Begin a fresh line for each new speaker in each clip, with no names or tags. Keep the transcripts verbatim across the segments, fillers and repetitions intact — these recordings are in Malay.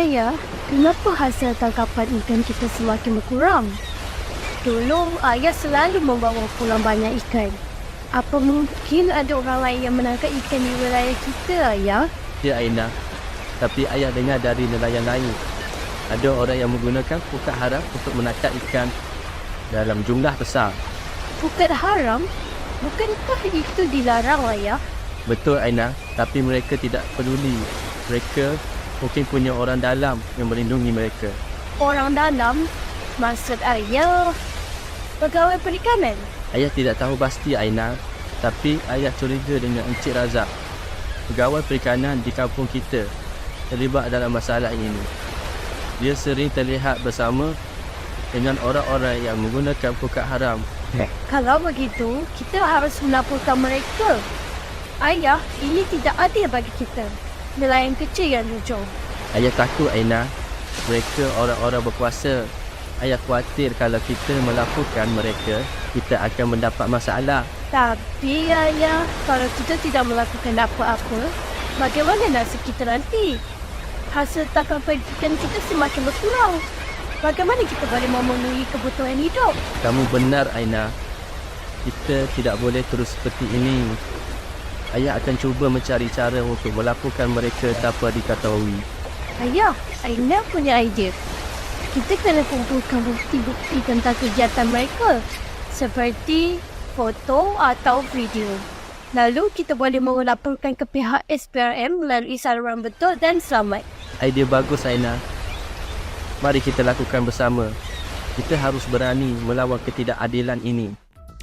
Ayah, kenapa hasil tangkapan ikan kita semakin berkurang? Dulu, ayah selalu membawa pulang banyak ikan. Apa mungkin ada orang lain yang menangkap ikan di wilayah kita, ayah?
Ya Aina, tapi ayah dengar dari nelayan lain. Ada orang yang menggunakan pukat haram untuk menangkap ikan dalam jumlah besar.
Pukat haram? Bukankah itu dilarang, ayah?
Betul Aina, tapi mereka tidak peduli. Mereka mungkin punya orang dalam yang melindungi mereka.
Orang dalam? Maksud ayah pegawai perikanan?
Ayah tidak tahu pasti Aina, tapi ayah curiga dengan Encik Razak, pegawai perikanan di kampung kita, terlibat dalam masalah ini. Dia sering terlihat bersama dengan orang-orang yang menggunakan pukat haram.
Kalau begitu, kita harus melaporkan mereka. Ayah, ini tidak adil bagi kita. Nelayan kecil yang jujur.
Ayah takut Aina, mereka orang-orang berkuasa. Ayah khawatir kalau kita melaporkan mereka, kita akan mendapat masalah.
Tapi ayah, kalau kita tidak melakukan apa-apa, bagaimana nasib kita nanti? Hasil tangkapan ikan kita semakin berkurang. Bagaimana kita boleh memenuhi kebutuhan hidup?
Kamu benar Aina, kita tidak boleh terus seperti ini. Ayah akan cuba mencari cara untuk melaporkan mereka tanpa diketahui.
Ayah, Aina punya idea. Kita kena kumpulkan bukti-bukti tentang kegiatan mereka, seperti foto atau video. Lalu kita boleh melaporkan ke pihak S P R M melalui saluran betul dan selamat.
Idea bagus Aina. Mari kita lakukan bersama. Kita harus berani melawan ketidakadilan ini.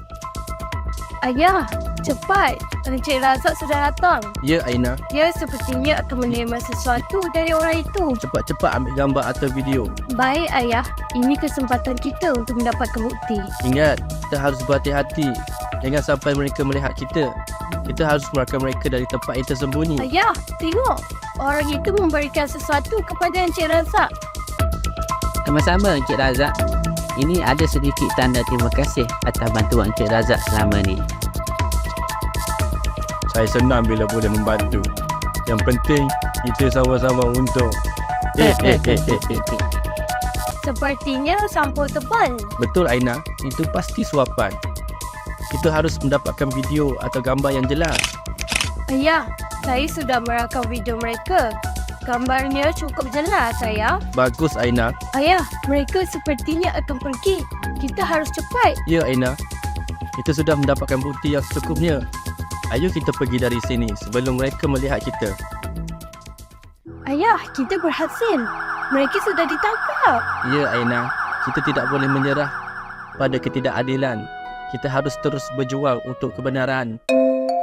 Ayah, cepat. Encik Razak sudah datang.
Ya Aina,
Dia sepertinya akan menerima sesuatu dari orang itu.
cepat-cepat ambil gambar atau video.
Baik ayah, ini kesempatan kita untuk mendapatkan bukti.
Ingat, kita harus berhati-hati. Jangan sampai mereka melihat kita. Kita harus mengeluarkan mereka dari tempat yang tersembunyi.
Ayah, tengok. Orang itu memberikan sesuatu kepada Encik Razak.
Sama-sama Encik Razak. Ini ada sedikit tanda terima kasih atas bantuan Encik Razak selama ni.
Saya senang bila boleh membantu. Yang penting, kita sama-sama untung. Eh, eh, eh, eh, eh.
Sepertinya sampul tebal.
Betul Aina, itu pasti suapan. Kita harus mendapatkan video atau gambar yang jelas.
Ayah, saya sudah merakam video mereka. Gambarnya cukup jelas, ayah.
Bagus Aina.
Ayah, mereka sepertinya akan pergi. Kita harus cepat.
Ya Aina, kita sudah mendapatkan bukti yang secukupnya. Ayo kita pergi dari sini sebelum mereka melihat kita.
Ayah, kita berhasil. Mereka sudah ditangkap.
Ya Aina, kita tidak boleh menyerah pada ketidakadilan. Kita harus terus berjuang untuk kebenaran.